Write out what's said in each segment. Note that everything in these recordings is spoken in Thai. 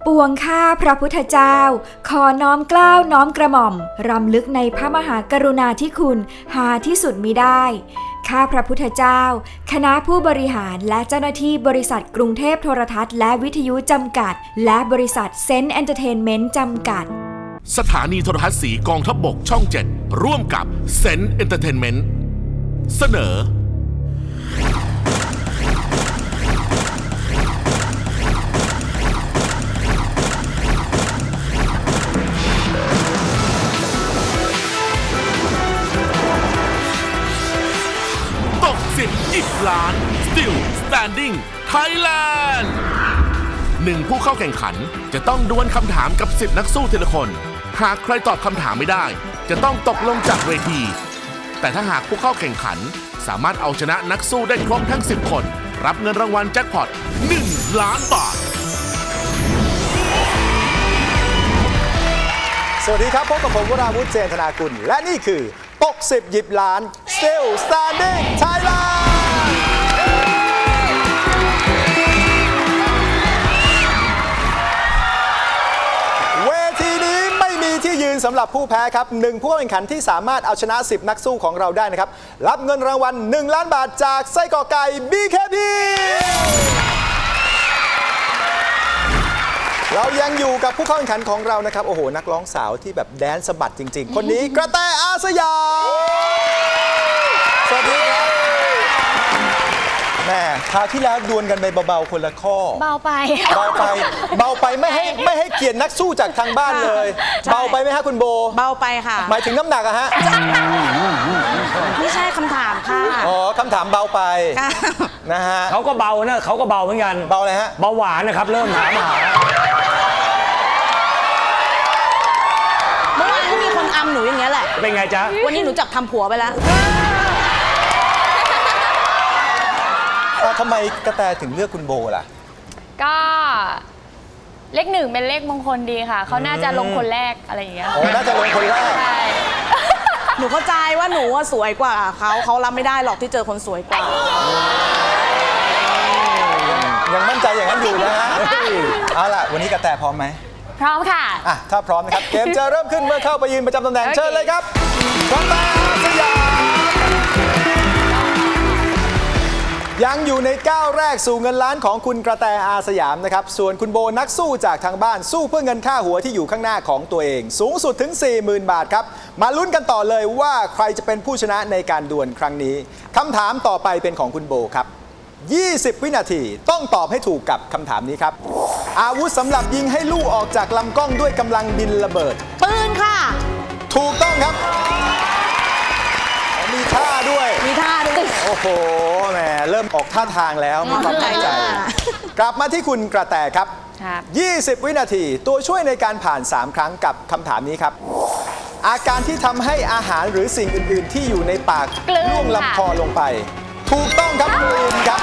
ปวงข้าพระพุทธเจ้าขอน้อมเกล้าน้อมกระหม่อมรำลึกในพระมหากรุณาธิคุณหาที่สุดมิได้ข้าพระพุทธเจ้าคณะผู้บริหารและเจ้าหน้าที่บริษัทกรุงเทพโทรทัศน์และวิทยุจำกัดและบริษัทเซนต์เอนเตอร์เทนเมนต์จำกัดสถานีโทรทัศน์สีกองทัพบกช่อง 7 ร่วมกับเซนต์เอนเตอร์เทนเมนต์เสนอตก10 10 ล้าน Still Standing Thailand 1 ผู้เข้าแข่งขันจะต้องดวลคำถามกับ10 นักสู้ทีละคนหากใครตอบคำถามไม่ได้จะต้องตกลงจากเวทีแต่ถ้าหากผู้เข้าแข่งขันสามารถเอาชนะนักสู้ได้ครบทั้ง10 คนรับเงินรางวัลแจ็คพอต1 ล้านบาทสวัสดีครับพบกับผมวราวุฒิ เจนธนากุลและนี่คือตก10 หยิบล้าน Still Standing Thailand เวทีนี้ไม่มีที่ยืนสำหรับผู้แพ้ครับ1 ผู้แข่งขันที่สามารถเอาชนะ10 นักสู้ของเราได้นะครับรับเงินรางวัล1 ล้านบาทจากไส้กรอกไก่ BKP เรายังอยู่กับผู้เข้าแข่งขันของเรานะครับโอ้โหนักร้องสาวที่แบบแดนสะบัดจริงๆคนนี้กระแตอาสยามสวัสดีครับแม่คราวที่แล้วดวลกันไปเบาๆคนละข้อเบาไปไม่ให้เกียรตินักสู้จากทางบ้านเลยเบาไปไหมฮะคุณโบเบาไปค่ะหมายถึงน้ำหนักอะฮะไม่ใช่คำถามค่ะอ๋อคำถามเบาไปนะฮะเขาก็เบานะเขาก็เบาเหมือนกันเบาเลยฮะเบาหวานนะครับเริ่มถามหาเมื่อวานก็มีคนอำหนูอย่างเงี้ยแหละเป็นไงจ๊ะวันนี้หนูจับทำผัวไปแล้วทำไมกระแตถึงเลือกคุณโบล่ะก็เลข 1เป็นเลขมงคลดีค่ะเขาน่าจะลงคนแรกอะไรอย่างเงี้ยน่าจะลงคนแรกใช่หนูเข้าใจว่าหนูสวยกว่าเขารับไม่ได้หรอกที่เจอคนสวยกว่ายังมั่นใจอย่างนั้นอยู่นะฮะเอาล่ะวันนี้กระแตพร้อมไหมพร้อมค่ะถ้าพร้อมนะครับเกมจะเริ่มขึ้นเมื่อเข้าไปยืนประจำตำแหน่งเชิญเลยครับกระแตอาสยามยังอยู่ในก้าวแรกสู่เงินล้านของคุณกระแตอาสยามนะครับส่วนคุณโบนักสู้จากทางบ้านสู้เพื่อเงินค่าหัวที่อยู่ข้างหน้าของตัวเองสูงสุดถึง 40,000 บาทครับมาลุ้นกันต่อเลยว่าใครจะเป็นผู้ชนะในการดวลครั้งนี้คำถามต่อไปเป็นของคุณโบครับ20 วินาทีต้องตอบให้ถูกกับคำถามนี้ครับอาวุธสำหรับยิงให้ลูกออกจากลำกล้องด้วยกำลังบินระเบิดปืนค่ะถูกต้องครับมีท่าด้วยโอ้โหแหมเริ่มออกท่าทางแล้วมีความมั่นใจกลับมาที่คุณกระแตครับ20 วินาทีตัวช่วยในการผ่าน3 ครั้งกับคำถามนี้ครับอาการที่ทำให้อาหารหรือสิ่งอื่นๆที่อยู่ในปากล่วงลำคอลงไปถูกต้องครับกลืนครับ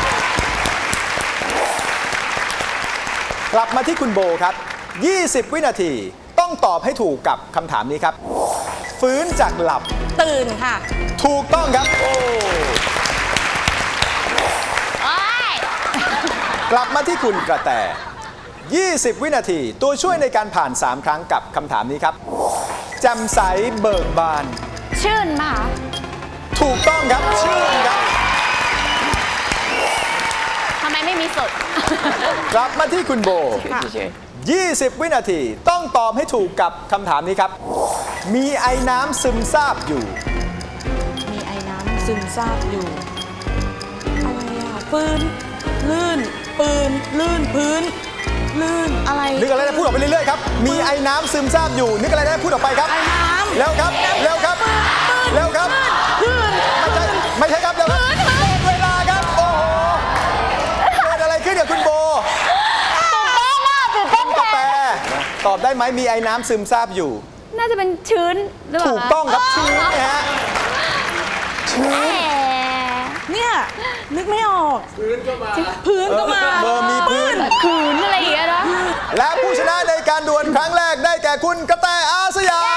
กลับมาที่คุณโบครับ20 วินาทีต้องตอบให้ถูกกับคำถามนี้ครับฟื้นจากหลับตื่นค่ะถูกต้องครับกลับมาที่คุณกระแต20 วินาทีตัวช่วยในการผ่าน3 ครั้งกับคำถามนี้ครับแจ่มใสเบิกบานชื่นมาถูกต้องครับชื่นครับทำไมไม่มีสดกลับมาที่คุณโบ20 วินาทีต้องตอบให้ถูกกับคำถามนี้ครับมีไอน้ำซึมซาบอยู่มีไอน้ำซึมซาบอยู่อะไรอ่ะปืนลื่นปืนลื่นพื้นลื่นอะไรนึกอะไรได้พูดออกไปเรื่อยๆครับมีไอน้ำซึมซาบอยู่นึกอะไรได้พูดออกไปครับไอน้ำแล้วครับแล้วครับแล้วครับไม่ใช่ครับแล้วครับหมดเวลาครับโอ้โหเกิดอะไรขึ้นกับคุณโบกาแฟตอบได้ไหมมีไอ้น้ำซึมซาบอยู่น่าจะเป็นชื้นหรือเปล่าถูกต้องครับชื้นนะฮะชื้นเนี่ยนึกไม่ออกพื้นก็มาเบอร์มีพื้นขืนอะไรอย่างเงี้ยนะและผู้ชนะในการดวลครั้งแรกได้แก่คุณกระแตอาสยาม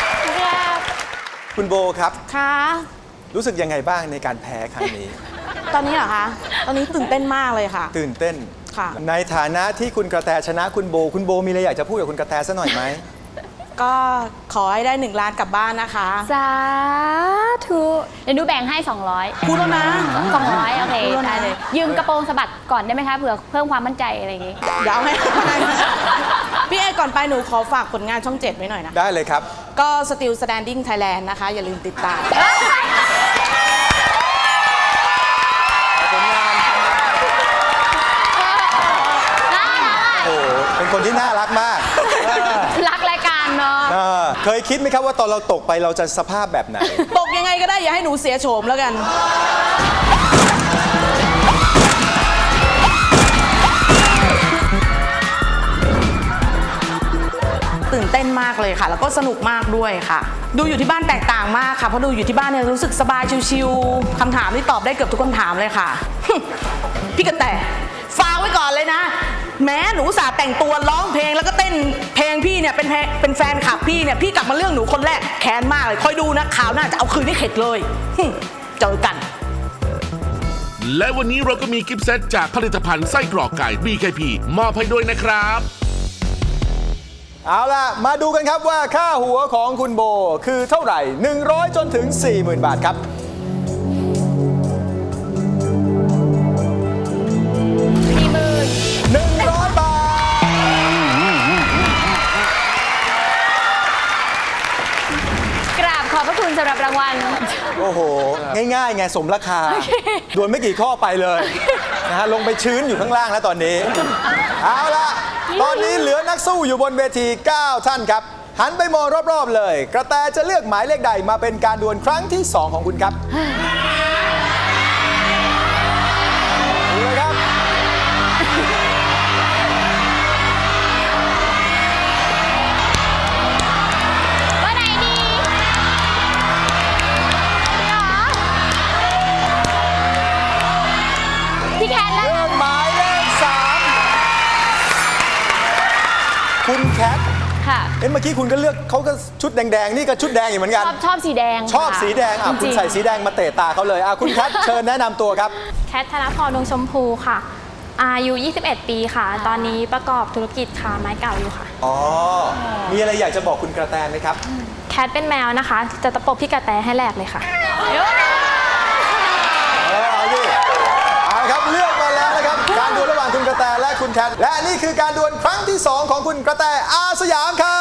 คุณโบครับค่ะรู้สึกยังไงบ้างในการแพ้ครั้งนี้ตอนนี้เหรอคะ ตอนนี้ตื่นเต้นมากเลยค่ะตื่นเต้นค่ะในฐานะที่คุณกระแตชนะคุณโบมีอะไรอยากจะพูดกับคุณกระแตสักหน่อยไหมก็ขอให้ได้1 ล้านกลับบ้านนะคะสาธุเดี๋ยวหนูแบ่งให้ 200 พูดแล้วนะ 200 โอเคพูดแล้วนะได้เลย ยืมกระโปรงสะบัดก่อนได้ไหมคะเผื่อเพิ่มความมั่นใจอะไรอย่างงี้เดี๋ยวเอาให้ พี่เอก่อนไปหนูขอฝากผลงานช่อง 7 ไว้หน่อยนะได้เลยครับก็ Still Standing Thailand นะคะ อย่าลืมติดตามผลงาน โอ้โหเป็นคนที่น่ารักมากรักรายการเนาะเคยคิดไหมครับว่าตอนเราตกไปเราจะสภาพแบบไหนตกยังไงก็ได้อย่าให้หนูเสียโฉมแล้วกัน ตื่นเต้นมากเลยค่ะ แล้วก็สนุกมากด้วยค่ะ ดูอยู่ที่บ้านแตกต่างมากค่ะ เพราะดูอยู่ที่บ้านเนี่ยรู้สึกสบายชิวๆคำถามที่ตอบได้เกือบทุกคำถามเลยค่ะ พี่กระแตฝากไว้ก่อนเลยนะ แม้หนูอุตสาห์แต่งตัวร้องเพลงแล้วก็เต้นเพลงพี่เนี่ยเป็นแฟนคลับพี่เนี่ยพี่กลับมาเรื่องหนูคนแรกแค้นมากเลยคอยดูนะข่าวหน้าจะเอาคืนให้เข็ดเลยเจอกันและวันนี้เราก็มีกิฟต์เซตจากผลิตภัณฑ์ไส้กรอกไก่ BKP มอบให้ด้วยนะครับเอาล่ะ มาดูกันครับว่าค่าหัวของคุณโบคือเท่าไหร่ 100 จนถึง 40,000 บาทครับ 100 บาทกราบขอบพระคุณสำหรับรางวัลโอ้โห ง่ายๆ ไงสมราคา ดวลไม่กี่ข้อไปเลยนะฮะลงไปชื้นอยู่ข้างล่างแล้วตอนนี้ เอาล่ะ ตอนนี้เหลือนักสู้อยู่บนเวที 9 ท่านครับ หันไปมองรอบๆเลย กระแตจะเลือกหมายเลขใดมาเป็นการดวลครั้งที่ 2 ของคุณครับดูเลยครับว่าไหนดีเหรอพี่แคทแล้วเลือกหมายเลข 3 คุณแคทค่ะเมื่อกี้คุณก็เลือกเขาก็ชุดแดงๆ นี่ก็ชุดแดงอยู่เหมือนกันชอบสีแดงชอบสีแดงค่ะคุณจริงๆใส่สีแดงมาเตะตาเขาเลยคุณแคท เชิญแนะนำตัวครับแคทธนพรดวงชมพูค่ะ อายุ 21 ปีค่ะ ตอนนี้ประกอบธุรกิจค้าไม้เก่าอยู่ค่ะอ๋อ มีอะไรอยากจะบอกคุณกระแตไหมครับแคทเป็นแมวนะคะ จะตะปบพี่กระแตให้แหลกเลยค่ะเอาดิเอาครับเลือกมาแล้วนะครับ การดวลระหว่างคุณกระแตและคุณแคท และนี่คือการดวลครั้งที่ 2 ของคุณกระแตอาสยามครับ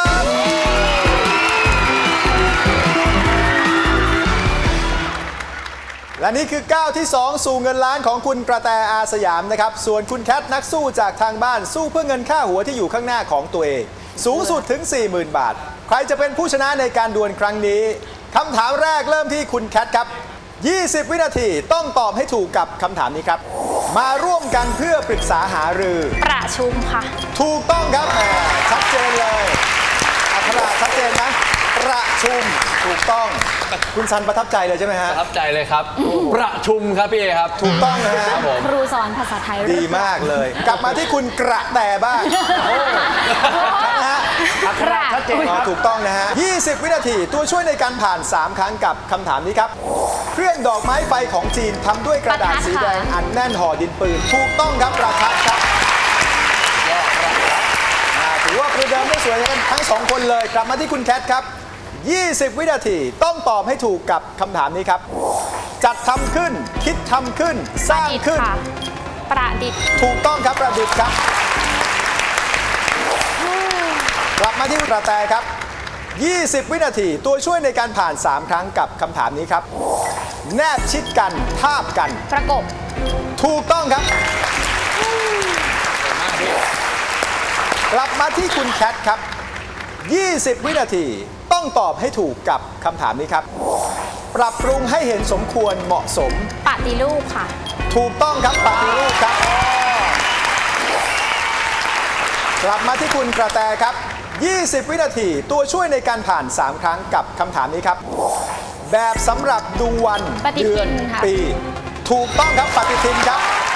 และนี่คือก้าวที่ 2 สู่เงินล้านของคุณกระแตอาสยามนะครับ ส่วนคุณแคทนักสู้จากทางบ้านสู้เพื่อเงินค่าหัวที่อยู่ข้างหน้าของตัวเอง สูงสุดถึง 40,000 บาท ใครจะเป็นผู้ชนะในการดวลครั้งนี้คำถามแรกเริ่มที่คุณแคทครับ 20 วินาทีต้องตอบให้ถูกกับคำถามนี้ครับ มาร่วมกันเพื่อปรึกษาหารือประชุมค่ะถูกต้องครับแหมชัดเจนเลยอัคราชัดเจนนะประชุมถูกต้อง คุณซันประทับใจเลยใช่ไหมฮะประทับใจเลยครับ ประชุมครับพี่เอครับถูกต้องนะฮะครับผมครูสอนภาษาไทยดีมากเลย กลับมาที่คุณกระแตบ้างนะฮะอัคราชัดเจนครับถูกต้องนะฮะ 20 วินาทีตัวช่วยในการผ่าน 3 ครั้งกับคำถามนี้ครับ เครื่องดอกไม้ไฟของจีนทำด้วยกระดาษสีแดงอัดแน่นห่อดินปืน ถูกต้องครับประทัดครับถือว่าประเดิมได้สวยกันทั้ง 2 คนเลย กลับมาที่คุณแคทครับ 20 วินาทีต้องตอบให้ถูกกับคำถามนี้ครับ จัดทำขึ้น คิดทำขึ้น สร้างขึ้นค่ะ ประดิษฐ์ถูกต้องครับประดิษฐ์ครับ กลับมาที่กระแตครับ 20 วินาทีตัวช่วยในการผ่าน 3 ครั้งกับคำถามนี้ครับ แนบชิดกัน ทาบกันประกบถูกต้องครับ กลับมาที่คุณแคทครับ 20 วินาทีต้องตอบให้ถูกกับคำถามนี้ครับ ปรับปรุงให้เห็นสมควรเหมาะสมปฏิรูปค่ะถูกต้องครับปฏิรูปครับ กลับมาที่คุณกระแตครับ 20 วินาทีตัวช่วยในการผ่าน 3 ครั้งกับคำถามนี้ครับ แบบสำหรับดูวันปฏิทินเดือนค่ะปี ถูกต้องครับปฏิทินครับ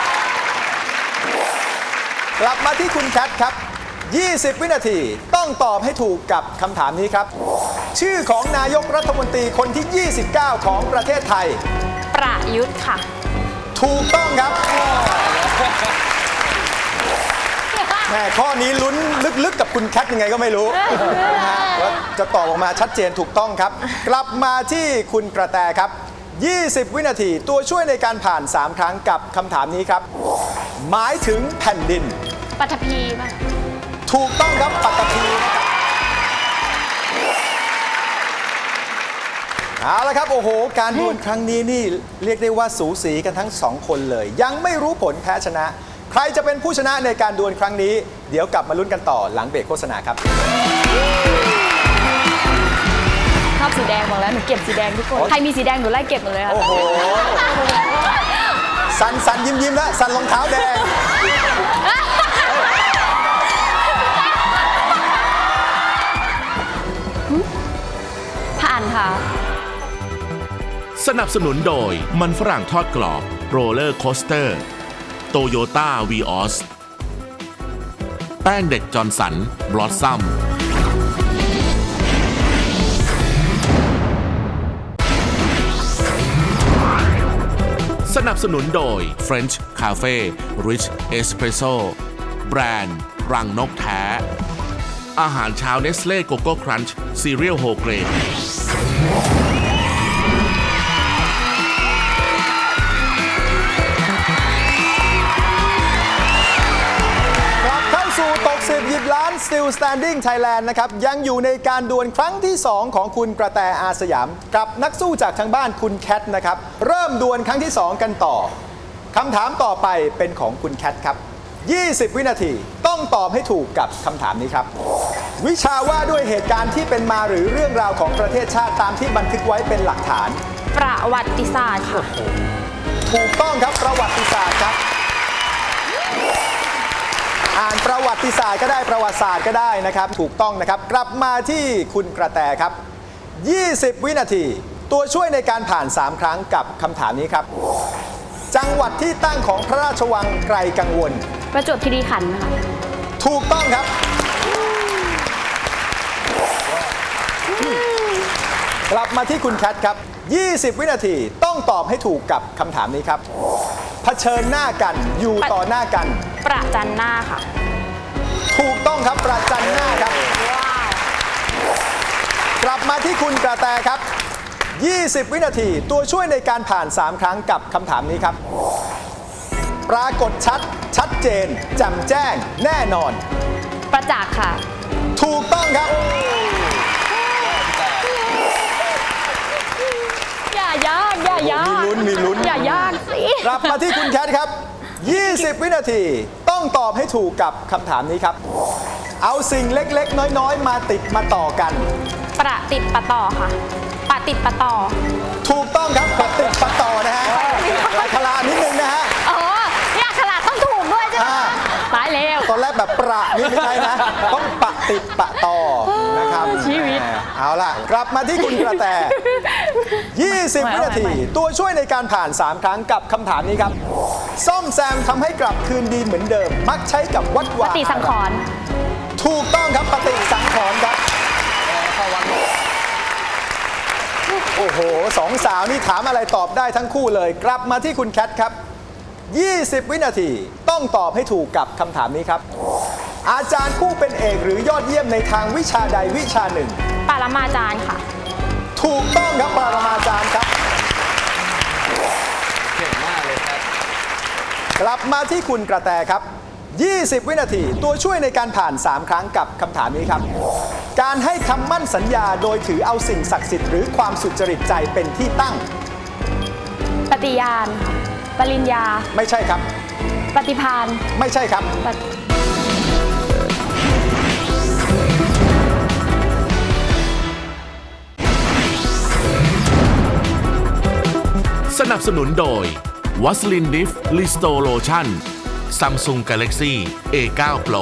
กลับมาที่คุณแคทครับ 20 วินาทีต้องตอบให้ถูกกับคำถามนี้ครับ ชื่อของนายกรัฐมนตรีคนที่ 29 ของประเทศไทยประยุทธ์ค่ะถูกต้องครับแม่ข้อนี้ลุ้นลึกๆกับคุณแคทยังไงก็ไม่รู้นะฮะว่าจะตอบออกมาชัดเจนถูกต้องครับ กลับมาที่คุณกระแตครับ 20 วินาทีตัวช่วยในการผ่าน 3 ครั้งกับคำถามนี้ครับ หมายถึงแผ่นดินปัทภีป่ะถูกต้องครับปัตตภีนะครับเอาละครับโอ้โหการดวลครั้งนี้นี่เรียกได้ว่าสูสีกันทั้งสองคนเลย ยังไม่รู้ผลแพ้ชนะ ใครจะเป็นผู้ชนะในการดวลครั้งนี้ เดี๋ยวกลับมาลุ้นกันต่อหลังเบรกโฆษณาครับชอบสีแดงบอกแล้วหนูเก็บสีแดงทุกคน ใครมีสีแดงหนูไล่เก็บหมดเลยค่ะโอ้โหสันยิ้มแล้วสันรองเท้าแดงผ่านค่ะสนับสนุนโดยมันฝรั่งทอดกรอบโรลเลอร์โคสเตอร์โตโยต้าวีออสแป้งเด็กจอร์นสันบลอสซัมสนับสนุนโดย French Cafe Rich Espresso แบรนด์รังนกแท้ อาหารเช้าเนสเล่โกโก้ครันช์ซีเรียลโฮเกรนกลับเข้าสู่ตก10หยิบล้าน Still Standing Thailand นะครับยังอยู่ในการดวลครั้งที่ 2 ของคุณกระแตอาสยาม กับนักสู้จากทางบ้านคุณแคทนะครับเริ่มดวลครั้งที่ 2 กันต่อคำถามต่อไปเป็นของคุณแคทครับ 20 วินาทีต้องตอบให้ถูกกับคำถามนี้ครับ วิชาว่าด้วยเหตุการณ์ที่เป็นมาหรือเรื่องราวของประเทศชาติตามที่บันทึกไว้เป็นหลักฐานประวัติศาสตร์ค่ะถูกต้องครับประวัติศาสตร์ครับ อ่านประวัติศาสตร์ก็ได้ประวัติศาสตร์ก็ได้นะครับถูกต้องนะครับกลับมาที่คุณกระแตครับ 20 วินาทีตัวช่วยในการผ่าน 3 ครั้งกับคำถามนี้ครับ จังหวัดที่ตั้งของพระราชวังไกรกังวลประจวบคีรีขันธ์ค่ะถูกต้องครับ กลับมาที่คุณแคทครับ 20 วินาทีต้องตอบให้ถูกกับคำถามนี้ครับเผชิญหน้ากันอยู่ต่อหน้ากันประจันหน้าค่ะถูกต้องครับประจันหน้าครับ กลับมาที่คุณกระแตครับ 20 วินาทีตัวช่วยในการผ่าน 3 ครั้งกับคำถามนี้ครับ ปรากฏชัดเจนแจ่มแจ้งแน่นอนประจักษ์ค่ะถูกต้องครับอย่ายากอย่ายากมีลุ้นอย่ายากสิกลับมาที่คุณแคทครับ 20 วินาทีต้องตอบให้ถูกกับคำถามนี้ครับ เอาสิ่งเล็กๆ น้อยๆ มาติดมาต่อกันประติดประต่อค่ะ ประติดประต่อถูกต้องครับประติดประต่อนะฮะอัครานิดนึงนะฮะอ๋อเนี่ยขนาดต้องถูกด้วยใช่ไหมอ่าตายแล้วตอนแรกแบบประนี่ไม่ใช่นะ ต้องปะติดปะต่อนะครับชีวิตเอาล่ะ กลับมาที่คุณกระแต 20 วินาที ตัวช่วยในการผ่าน 3 ครั้งกับคำถามนี้ครับ ซ่อมแซมทำให้กลับคืนดีเหมือนเดิม มักใช้กับวัดปวาฏิสังขรณ์ถูกต้องครับปฏิสังขรณ์ครับ โอ้โหสองสาวนี่ถามอะไรตอบได้ทั้งคู่เลย กลับมาที่คุณแคทครับ 20 วินาทีต้องตอบให้ถูกกับคำถามนี้ครับ อาจารย์ผู้เป็นเอกหรือยอดเยี่ยมในทางวิชาใดวิชาหนึ่งปรมาจารย์ค่ะถูกต้องครับปรมาจารย์ครับเก่งมากเลยครับกลับมาที่คุณกระแตครับ 20 วินาทีตัวช่วยในการผ่าน 3 ครั้งกับคำถามนี้ครับ การให้คำมั่นสัญญาโดยถือเอาสิ่งศักดิ์สิทธิ์หรือความสุจริตใจเป็นที่ตั้งปฏิญาณค่ะปริญญาไม่ใช่ครับปฏิภาณไม่ใช่ครับปฏิสนับสนุนโดยวัสลินดิฟลิสโตโลชั่น Samsung Galaxy A9 Pro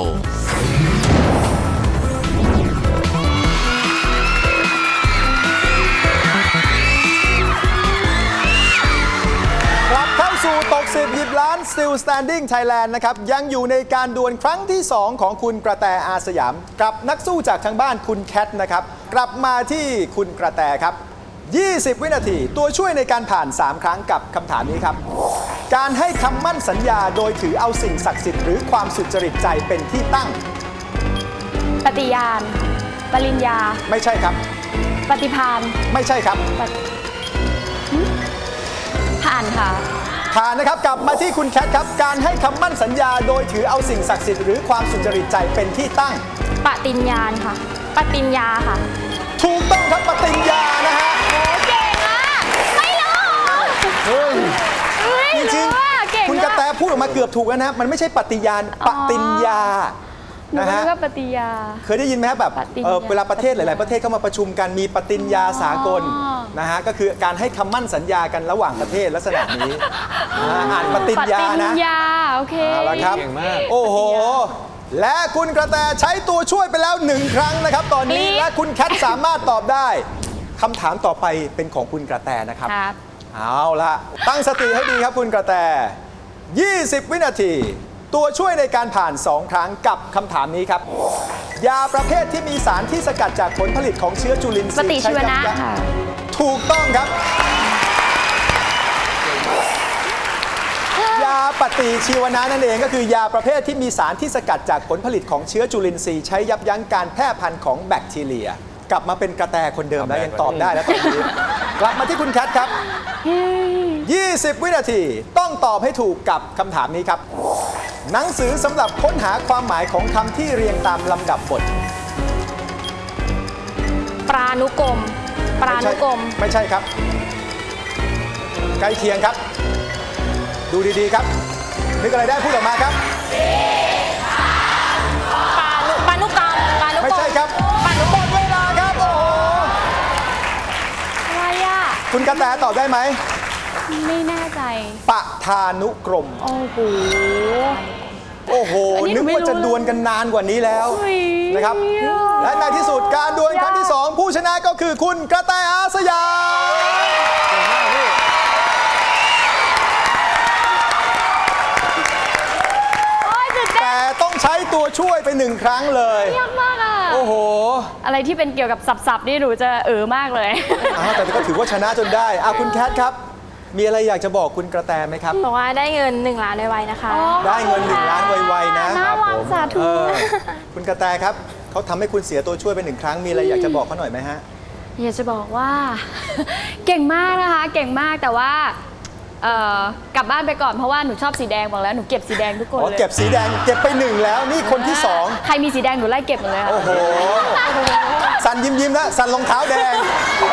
กลับเข้าสู่ตก10หยิบล้าน Still Standing Thailand นะครับยังอยู่ในการดวลครั้งที่ 2 ของคุณกระแตอาสยาม กับนักสู้จากทางบ้านคุณแคทนะครับกลับมาที่คุณกระแตครับ 20 วินาทีตัวช่วยในการผ่าน 3 ครั้งกับคำถามนี้ครับการให้คำมั่นสัญญาโดยถือเอาสิ่งศักดิ์สิทธิ์หรือความสุจริตใจเป็นที่ตั้งปฏิญาณปริญญาไม่ใช่ครับปฏิภาณไม่ใช่ครับผ่านค่ะผ่านนะครับกลับมาที่คุณแคทครับการให้คำมั่นสัญญาโดยถือเอาสิ่งศักดิ์สิทธิ์หรือความสุจริตใจเป็นที่ตั้งปฏิญญาณค่ะ ปฏิญญาค่ะถูกต้องครับปฏิญญานะฮะเก่งอ่ะ ไม่รู้เฮ้ยไม่จริงรู้อ่ะเก่งๆคุณกระแตพูดออกมาเกือบถูกแล้วนะมันไม่ใช่ปฏิญาณปฏิญญาหนูนะก็ฮะรู้ว่าปฏิญาเคยได้ยินไหมครับแบบปฏิญญาเวลาประเทศหลายๆประเทศเข้ามาประชุมกันมีปฏิญญาสากลอ๋อนะฮะก็คือการให้คำมั่นสัญญากันระหว่างประเทศลักษณะนี้อ่านปฏิญญาปฏินะญญาโอเคเอาละครับเก่งมากโอ้โห และคุณกระแตใช้ตัวช่วยไปแล้ว1 ครั้งนะครับ ตอนนี้กรี๊ดและคุณแคทสามารถตอบได้คำถามต่อไปเป็นของคุณกระแตนะครับครับเอาละตั้งสติให้ดีครับคุณกระแต 20 วินาที ตัวช่วยในการผ่าน 2 ครั้งกับคำถามนี้ครับ ยาประเภทที่มีสารที่สกัดจากผลผลิตของเชื้อจุลินทปรีย์ฏิชีวนะใช้ยับยั้งค่ะถูกต้องครับ ยาปฏิชีวนะนั่นเองก็คือยาประเภทที่มีสารที่สกัดจากผลผลิตของเชื้อจุลินทรีย์ใช้ยับยั้งการแพร่พันธุ์ของแบคทีเรีย กลับมาเป็นกระแตคนเดิมแล้วยังตอบได้แล้วตอนนี้ กลับมาที่คุณแคทครับ 20 วินาทีต้องตอบให้ถูกกับคำถามนี้ครับ หนังสือสำหรับค้นหาความหมายของคำที่เรียงตามลำดับบทปรานุกรม ปรานุกรมไม่ใช่ครับ ใกล้เคียงครับ ดูดีๆครับ นึกอะไรได้พูดออกมาครับปานุกรรม ปานุกรมไม่ใช่ครับปานุหกมรมดเวลาครับ โอ้โหอะไรอ่ะคุณกระแตตอบได้ไหมไม่แน่ใจปะทานุกรมโอ้โหโอ้โหอันนี้หนูนึกไม่ว่าจะรู้ดวลกันนานกว่านี้แล้วเฮ้ยนะครับยากและในที่สุดการดวลครั้งที่ 2 ผู้ชนะก็คือคุณกระแตอาสยามโอ้ยสุดยอดแต่ต้องใช้ตัวช่วยไป1 ครั้งเลยยากมากอ่ะโอ้โหอะไรที่เป็นเกี่ยวกับสับๆนี่หนูจะมากเลยแต่ก็ถือว่าชนะจนได้คุณแคทครับ มีอะไรอยากจะบอกคุณกระแตไหมครับบอกว่าได้เงิน1 ล้านไวๆนะคะได้เงิน1 ล้านไวๆนะน่ารักสาธุเออคุณกระแตครับเขาทำให้คุณเสียตัวช่วยไป1 ครั้งมีอะไรอยากจะบอกเขาหน่อยไหมฮะอยากจะบอกว่า เก่งมากนะคะ เก่งมากแต่ว่ากลับบ้านไปก่อนเพราะว่าหนูชอบสีแดงบอกแล้วหนูเก็บสีแดงทุกคนอ๋อเลยเก็บสีแดงเก็บไป1แล้วนี่คนที่ 2 ใครมีสีแดงหนูไล่เก็บหมดเลยค่ะโอ้โห สันยิ้มๆนะสันรองเท้าแดง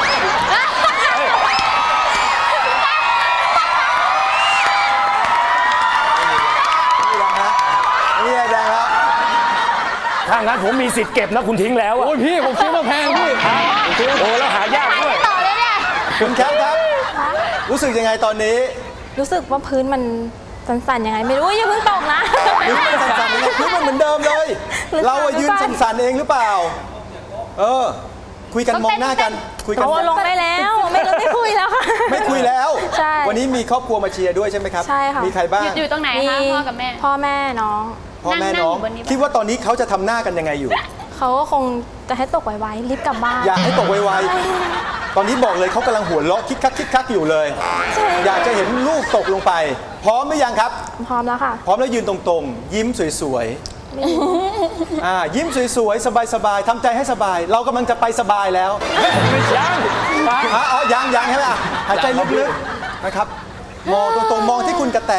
นี่แดงแล้วถ้างั้นผมมีสิทธิ์เก็บนะคุณทิ้งแล้วอะโอ้ยพี่ ผมซื้อมาแพงพี่โอ้แล้วหายากด้วยต่อเลยเนี่ยคุณแคทครับ รู้สึกยังไงตอนนี้รู้สึกว่าพื้นมันสั่นๆยังไงไม่รู้อย่าเพิ่งตกนะพื้นมันสั่นๆยังไงพื้นมันเหมือนเดิมเลย เราอะยืนสั่นๆเองหรือเปล่า คุยกันมองหน้ากัน คุยกันโอ้ลงได้แล้ว ไม่คุยแล้วค่ะไม่คุยแล้วใช่วันนี้มีครอบครัวมาเชียร์ด้วยใช่ไหมครับใช่ค่ะมีใครบ้างอยู่ตรงไหนคะพ่อกับแม่พ่อแม่น้องพ่อแม่นั่งน้องอยู่บนนี้ปะคิดว่าตอนนี้เขาจะทำหน้ากันยังไงอยู่เขาก็คงจะให้ตกไวๆรีบกลับบ้านอยากให้ตกไวๆ ตอนนี้บอกเลยเขากำลังหัวเราะคิกคักอยู่เลยใช่อยากจะเห็นลูกตกลงไป พร้อมหรือยังครับพร้อมแล้วค่ะพร้อมแล้วยืนตรงๆ ยิ้มสวยๆยิ้มสวยๆ สบายๆทำใจให้สบาย เรากำลังจะไปสบายแล้ว ยังใช่ไหมหายใจลึกๆ นะครับ มองตรงๆ มองที่คุณกระแต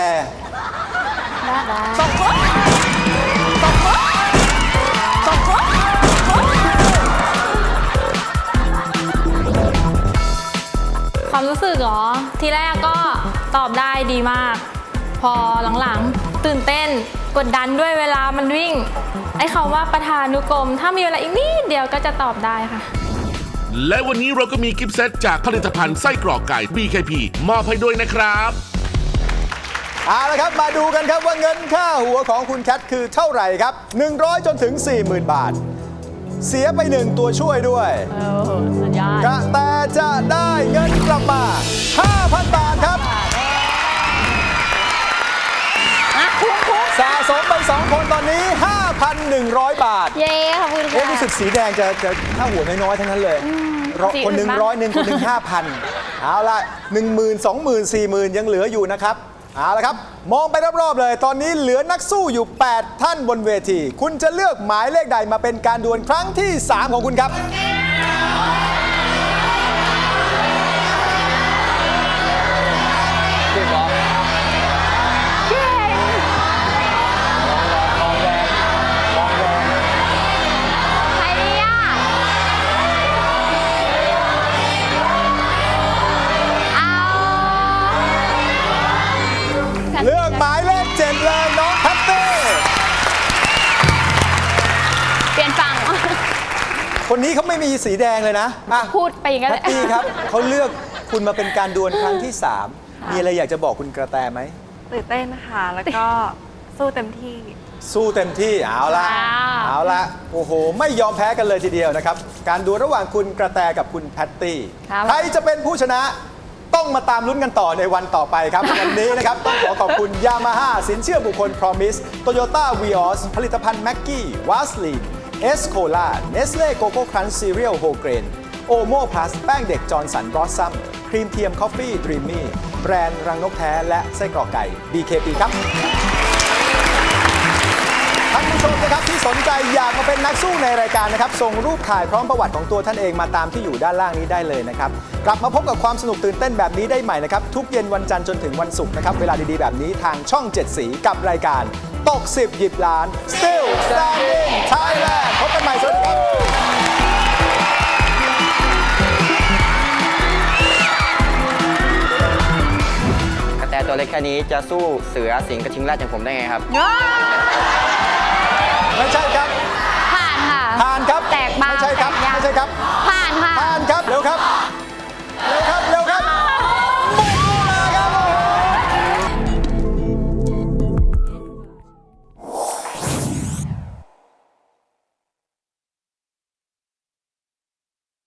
ความรู้สึกเหรอ ทีแรกก็ตอบได้ดีมาก พอหลังๆ ตื่นเต้นกดดันด้วยเวลามันวิ่ง ไอ้คำว่าประธานุกรม ถ้ามีเวลาอีกนิดเดียวก็จะตอบได้ค่ะและวันนี้เราก็มีกิฟต์เซตจากผลิตภัณฑ์ไส้กรอกไก่ BKP มอบให้ด้วยนะครับเอาละครับ มาดูกันครับว่าเงินค่าหัวของคุณแคทคือเท่าไหร่ครับ 100 จนถึง 40,000 บาท เสียไป1ตัวช่วยด้วยสุดยอดกระแตจะได้เงินกลับมา 5,000 บาทครับ สะสมไป 2 คนตอนนี้ 5,100 บาทเย้ขอบคุณค่ะรู้สึกสีแดงจะค่าหัวน้อยๆทั้งนั้นเลยคนหนึ่งสีอื่นบ้าง 100คนหนึ่ง5,000 เอาละ10,000 20,000 40,000 ยังเหลืออยู่นะครับเอาละครับ มองไปรอบๆเลย ตอนนี้เหลือนักสู้อยู่ 8 ท่านบนเวที คุณจะเลือกหมายเลขใดมาเป็นการดวลครั้งที่ 3 ของคุณครับพี่บอสใครดีอ่ะเอาเลือกหมายเลข 7 เลยน้องแพตตี้เปลี่ยนฝั่งคนนี้เขาไม่มีสีแดงเลยนะอ่ะพูดไปอย่างนั้นแพแหตละตี้ครับเขาเลือกคุณมาเป็นการดวลครั้งที่ 3 มีอะไรอยากจะบอกคุณกระแตไหมตื่นเต้นค่ะ แล้วก็สู้เต็มที่สู้เต็มที่เอาละว้าวเอาละโอ้โห ไม่ยอมแพ้กันเลยทีเดียวนะครับ การดวลระหว่างคุณกระแตกับคุณแพตตี้ครับใครจะเป็นผู้ชนะต้องมาตามลุ้นกันต่อในวันต่อไปครับ วันนี้นะครับ ต้องขอบคุณยามาฮ่าสินเชื่อบุคคล Promise Toyota Vios ผลิตภัณฑ์แม็กกี้วาสลีนเอสโคลาเนสเล่โกโก้ครันช์ซีเรียลโฮเกรนโอโมพลัสแป้งเด็กจอร์นสันบรอสซัมครีมเทียมคอฟฟี่ดรีมมี่แบรนด์รังนกแท้และไส้กรอกไก่ BKP ครับ ท่านผู้ชมนะครับที่สนใจอยากมาเป็นนักสู้ในรายการนะครับส่งรูปถ่ายพร้อมประวัติของตัวท่านเองมาตามที่อยู่ด้านล่างนี้ได้เลยนะครับกลับมาพบกับความสนุกตื่นเต้นแบบนี้ได้ใหม่นะครับทุกเย็นวันจันทร์จนถึงวันศุกร์นะครับเวลาดีๆแบบนี้ทางช่อง 7 สีกับรายการตก 10 หยิบล้าน Still Standing Thailand พบกันใหม่สวัสดีครับกระแตตัวเล็กแค่นี้จะสู้เสือสิงห์กระทิงแรดอย่างผมได้ไงครับไม่ใช่ครับผ่านค่ะผ่านครับแตกบางไม่ใช่ครับแตกยางไม่ใช่ครับผ่านค่ะผ่านครับเร็วครับ